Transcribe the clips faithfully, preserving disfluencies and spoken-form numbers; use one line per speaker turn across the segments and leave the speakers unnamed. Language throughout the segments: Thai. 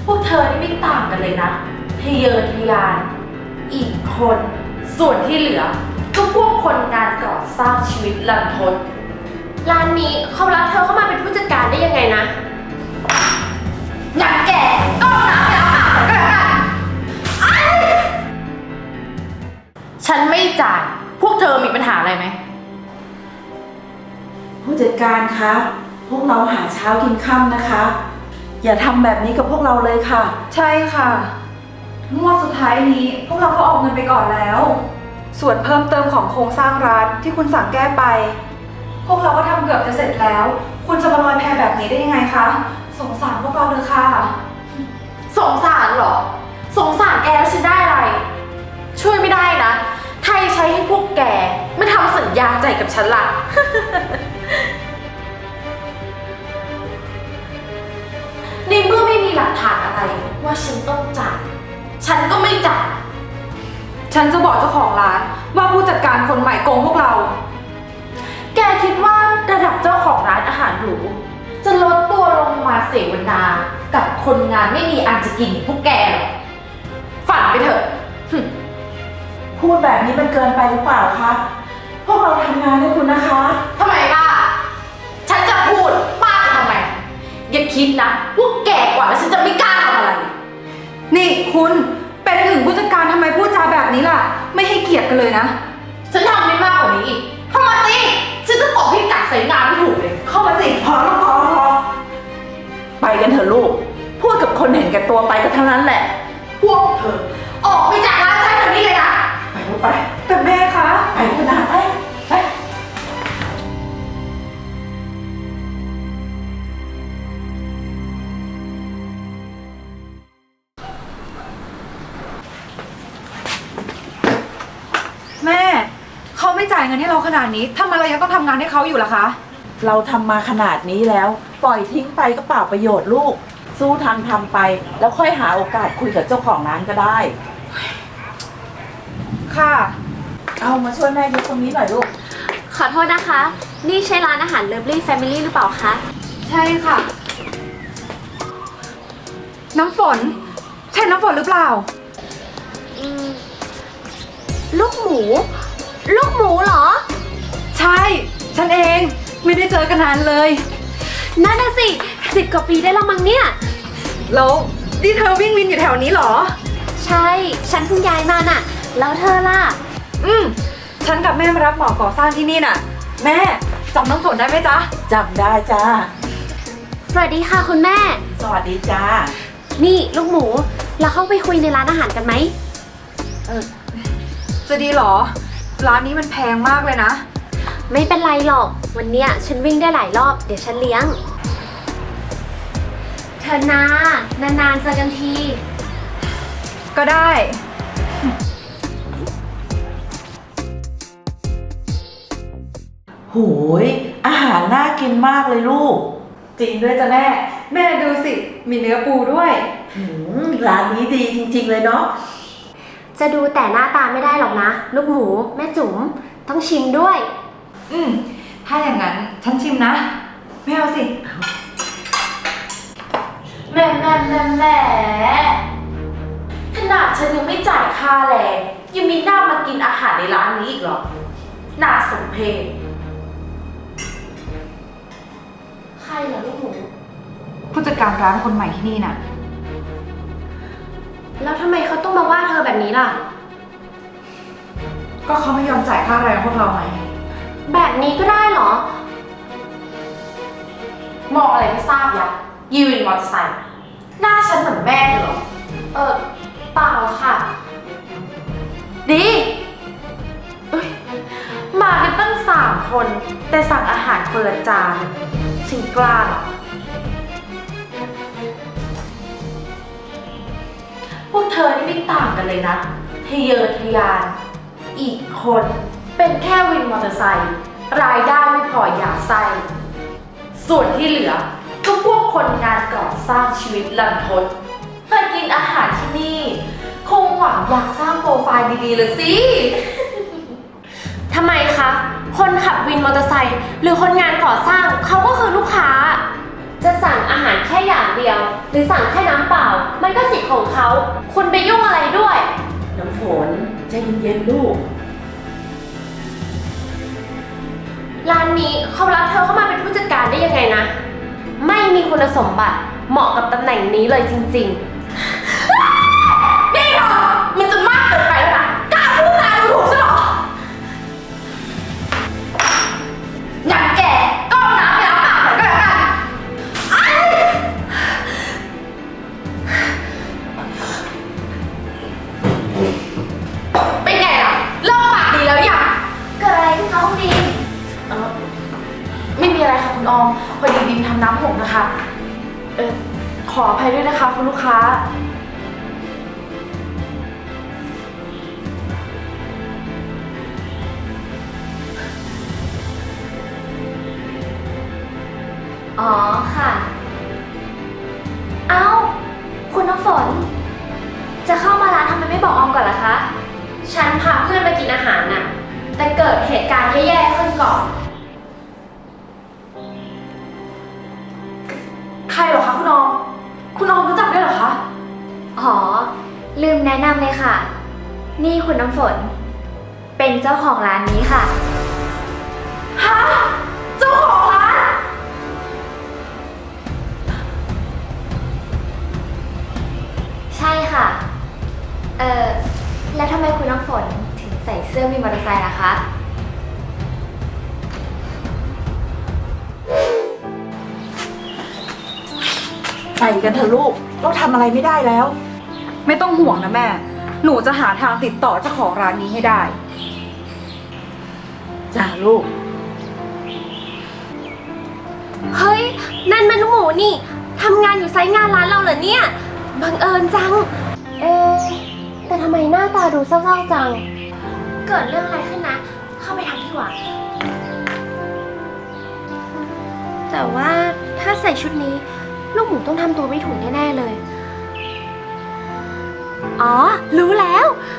พวกเธอนี่ไม่ต่างกันเลยนะทะเยอทะยานอีกคนส่วนที่เหลือก็พวกคนงานก่อสร้างชีวิตลันทดร้านนี้เขารับเธอเข้ามาเป็นผู้จัดการได้ยังไงนะงั้นแกก็น้ำไปเอาอาหารก็แล้วกันฉันไม่จ่ายพวกเธอมีปัญหาอะไรไหม
ผู้จัดการคะพวกเราหาเช้ากินค่ำนะคะอย่าทำแบบนี้กับพวกเราเลยค่ะ
ใช่ค่ะงวดสุดท้ายนี้พวกเราก็ออกเงินไปก่อนแล้ว ส่วนเพิ่มเติมของโครงสร้างร้านที่คุณสั่งแก้ไป พวกเราก็ทำเกือบจะเสร็จแล้ว คุณจะมาลอยแพแบบนี้ได้ยังไงคะสงสารพวกเราเลยค่ะ
สงสารเหรอสงสารแกแล้วฉันได้อะไรช่วยไม่ได้นะใครใช้ให้พวกแกไม่ทำสัญญาใจกับฉันล่ะ ในเมื่อไม่มีหลักฐานอะไรว่าฉันต้องจ่ายฉันก็ไม่จ่าย
ฉันจะบอกเจ้าของร้านว่าผู้จัดการคนใหม่โกงพวกเรา
แกคิดว่าระดับเจ้าของร้านอาหารหรูจะลดตัวลงมาเสวนากับคนงานไม่มีอันจะกินพวกแกหรอฝันไปเถอะ
พูดแบบนี้มันเกินไปหรือเปล่าคะพวกเราทำงานให้คุณนะคะ
ทำไมป้าฉันจะพูดป้าจะทำไมอย่าคิดนะพวกแกกว่าแล้วฉันจะไม่กล้าทำอะไร
นี่คุณเป็นถึงผู้จัดการทำไมพูดจาแบบนี้ล่ะไม่ให้เกียรติกันเลยนะ
ฉันทำได้มากกว่านี้อีกเข้ามาสิฉันจะตบให้กัดใส่งานไม่ถูกเลย
เข้ามาสิพอแล้วพอพอไปกันเถอะลูกพูดกับคนเห็นแก่ตัวไปก็เท่านั้นแหละ
พวกเธอออกไปจากร้านฉันเดี๋ยวนี้เลยนะ
ไปลูกไป
แต่แม่คะ
ไปเถอะนะไปไป
แม่เขาไม่จ่ายเงินให้เราขนาดนี้ทำไมเรายังต้องทำงานให้เขาอยู่ล่ะคะ
เราทำมาขนาดนี้แล้วปล่อยทิ้งไปก็เปล่าประโยชน์ลูกสู้ทางทำไปแล้วค่อยหาโอกาสคุยกับเจ้าของร้านก็ได้
ค่ะ
เอามาช่วยแม่ยกตรงนี้หน่อยลูก
ขอโทษนะคะนี่ใช่ร้านอาหาร Lovely Family หรือเปล่าคะ
ใช่ค่ะน้ำฝนใช่น้ำฝนหรือเปล่า
อืมลูกหมูลูกหมูเหรอ
ใช่ฉันเองไม่ได้เจอกันนานเลย
นั่นน่ะสิสิบกว่าปีได้แล้วมั้งเนี่ย
แล้วนี่เธอวิ่งวินอยู่แถวนี้เหรอ
ใช่ฉันเพิ่งย้ายมาน่ะแล้วเธอล่ะ
อืมฉันกับแม่มารับเหมาก่อสร้างที่นี่น่ะแม่จำน้ำฝนได้ไหมจ๊ะ
จำได้จ้า
สวัสดีค่ะคุณแม่
สวัสดีจ้า
นี่ลูกหมูเราเข้าไปคุยในร้านอาหารกันไหม
เออจะดีเหรอร้านนี้มันแพงมากเลยนะ
ไม่เป็นไรหรอกวันเนี้ยฉันวิ่งได้หลายรอบเดี๋ยวฉันเลี้ยงเธอนานานๆเจอกันที
ก็ได้
โหยอาหารน่ากินมากเลยลูก
จริงด้วยจ้ะแม่แม่ดูสิมีเนื้อปูด้วย
ร้านนี้ดีจริงๆเลยเนาะ
จะดูแต่หน้าตาไม่ได้หรอกนะลูกหมูแม่จุ๋มต้องชิมด้วย
อืมถ้าอย่างนั้นฉันชิมนะไม่เอาสิ
แม่แม่แม่แม่ขนาดฉันยังไม่จ่ายค่าแรงยังมีหน้ามากินอาหารในร้านนี้อีกเหรอน่าสมเพชใครเหรอลูกหมู
ผู้จัดการร้านคนใหม่ที่นี่น่ะ
แล้วทำไมเขาต้องมาว่าเธอแบบนี้ล่ะ
ก็เขาไม่ยอมจ่ายค่าแรงพวกเราไง
แบบนี้ก็ได้เหรอ
มองอะไรไม่ทราบยักยีวินมอเตอร์ไซค์หน้าฉันเหมือนแม่เหรอเออเปล่าค่ะดีเอ้ยมากันตั้งสามคนแต่สั่งอาหารคนละจานฉันกล้าหรอพวกเธอนี่ไม่ต่างกันเลยนะทะเยอทะยานอีกคนเป็นแค่วินมอเตอร์ไซค์รายได้ไม่พออยากไส้ส่วนที่เหลือก็พวกคนงานก่อสร้างชีวิตลันทดมากินอาหารที่นี่คงหวังอยากสร้างโปรไฟล์ดีๆเลยสิ
ทำไมคะคนขับวินมอเตอร์ไซค์หรือคนงานก่อสร้างเขาก็คือลูกค้าจะสั่งอาหารแค่อย่างเดียวหรือสั่งแค่น้ำเปล่ามันก็สิทธิ์ของเขา คุณไปยุ่งอะไรด้วย
น้ำฝนใจเย็นๆลูก
ร้านนี้เขารับเธอเข้ามาเป็นผู้จัดการได้ยังไงนะ ไม่มีคุณสมบัติเหมาะกับตำแหน่งนี้เลยจริงๆ
นี่เธอมันจะมากเกินไปแล้วนะกล้าพูดจาดูถูกฉันเหรองั้นแกก็เอาน้ำไปล้างปากหน่อยก็แล้วกันไอ้เป็นไงล่ะเลิกปากดีแล้วยัง
เกิดอะไรขึ้นคะคุณบีม
เออไม่มีอะไรค่ะคุณออม พอดีบิมทำน้ำหกนะคะ เออขออภัยด้วยนะคะคุณลูกค้า
อ๋อค่ะ เอ้า คุณน้ำฝน จะเข้ามาร้านทำไมไม่บอกออมก่อนล่ะคะ ฉันพาเพื่อนไปกินอาหารน่ะ แต่เกิดเหตุการณ์แย่ๆขึ้นก่อน
ใครเหรอคะคุณออม คุณออมรู้จักด้วยเหรอคะ
อ๋อ ลืมแนะนำเลยค่ะ นี่คุณน้ำฝน เป็นเจ้าของร้านนี้ค่ะ
ฮะ เจ้าของร้าน
ใช่ค่ะ เอ่อ แล้วทำไมคุณน้ำฝนถึงใส่เสื้อวินมอเตอร์ไซค์ล่ะคะ
ไปกันเถอะลูก เราทำอะไรไม่ได้แล้ว
ไม่ต้องห่วงนะแม่ หนูจะหาทางติดต่อเจ้าของร้านนี้ให้ได้
จ้าลูก
เฮ้ย นั่นมันลูกหมูนี่ ทำงานอยู่ไซต์งานร้านเราเหรอเนี่ย บังเอิญจัง เอ๊ะแต่ทำไมหน้าตาดูเศร้าๆจัง เกิดเรื่องอะไรขึ้นนะ เข้าไปทักดีกว่า แต่ว่าถ้าใส่ชุดนี้ ลูกหมูต้องทำตัวไม่ถูกแน่ๆเลย อ๋อ รู้แล้ว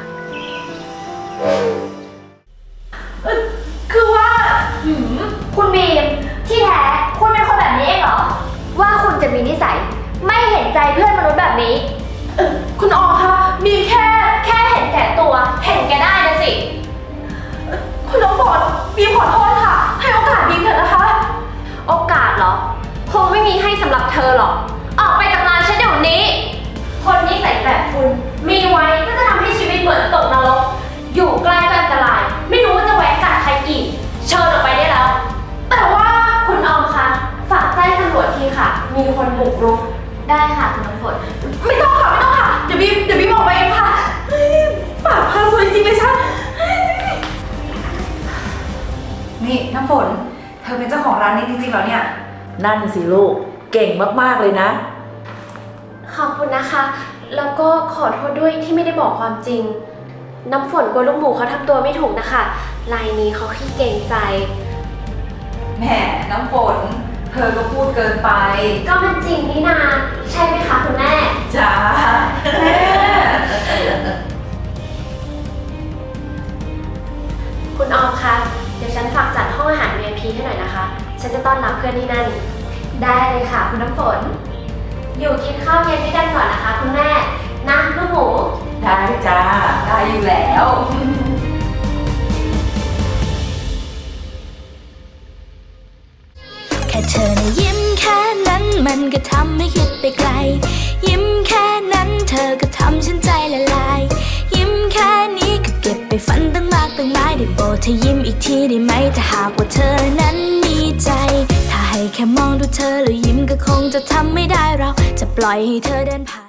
คือว่า
หืม คุณบีม ที่แท้คุณเป็นคนแบบนี้เองเหรอ ว่าคุณจะมีนิสัย ไม่เห็นใจเพื่อนมนุษย์แบบนี้
เอ่อคุณออมคะมีแค่
แค่เห็นแก่ตัว เห็นแก่ได้นะสิ
คุณน้ำฝนบีมขอโทษค่ะ ให้โอกาสบีมเถอะนะคะ
โอกาสเหรอ คงไม่มีให้สำหรับเธอหรอก ออกไปจากร้านฉันเดี๋ยวนี้ คนนิสัยแบบคุณ มีไว้ก็จะทำให้ชีวิตเหมือนตกนรก อยู่ใกล้ก็อันตราย ไม่รู้ว่าจะแวะกัดใครอีก เชิญออกไปได้แล้ว แต่ว่าคุณออมคะ ฝากแจ้งตำรวจทีค่ะ มีคนบุกรุก
ได้ค่ะคุณน้ำฝน
ไม่ต้องค่ะ ไม่ต้องค่ะ เดี๋ยวบีมเดี๋ยวบีมออกไปเองค่ะเฮ้ยปากพาซวยจริงเลยฉัน
นี่น้ำฝน เธอเป็นเจ้าของร้านนี้จริงๆเหรอเนี่ย
นั่นสิลูก เก่งมากๆเลยนะ
ขอบคุณนะคะ แล้วก็ขอโทษด้วยที่ไม่ได้บอกความจริง น้ำฝนกลัวลูกหมูเขาทำตัวไม่ถูกนะคะรายนี้เขาขี้เก่งใจ
แหมน้ำฝน เธอก็พูดเกินไป
ก็มันจริงนี่นา ใช่ไหมคะคุณแม่
จ้า
แม่
คุณออมคะ เดี๋ยวฉันฝากจัดห้องอาหาร วี ไอ พี ให้หน่อยนะคะ ฉันจะต้อนรับเพื่อนที่นั่น
ได้เลยค่ะคุณน้ำฝน
อยู่กินข้าวเย็นด้วยกันก่อนนะคะ คุณแม่ นะลูกหมู
ได้จ้า
ได้อยู่แล้ว
แค่เธอนะยิ้มแค่นั้นมันก็ทำให้คิดไปไกล ยิ้มแค่นั้นเธอก็ทำฉันใจละลาย ยิ้มแค่นี้ก็เก็บไปฝันตั้งมากตั้งหลายได้โปรดเธอยิ้มอีกทีได้ไหมถ้าหากว่าเธอนั้นมีใจ ถ้าให้แค่มองดูเธอแล้วยิ้มก็คงจะทำไม่ได้เราจะปล่อยให้เธอเดินผ่าน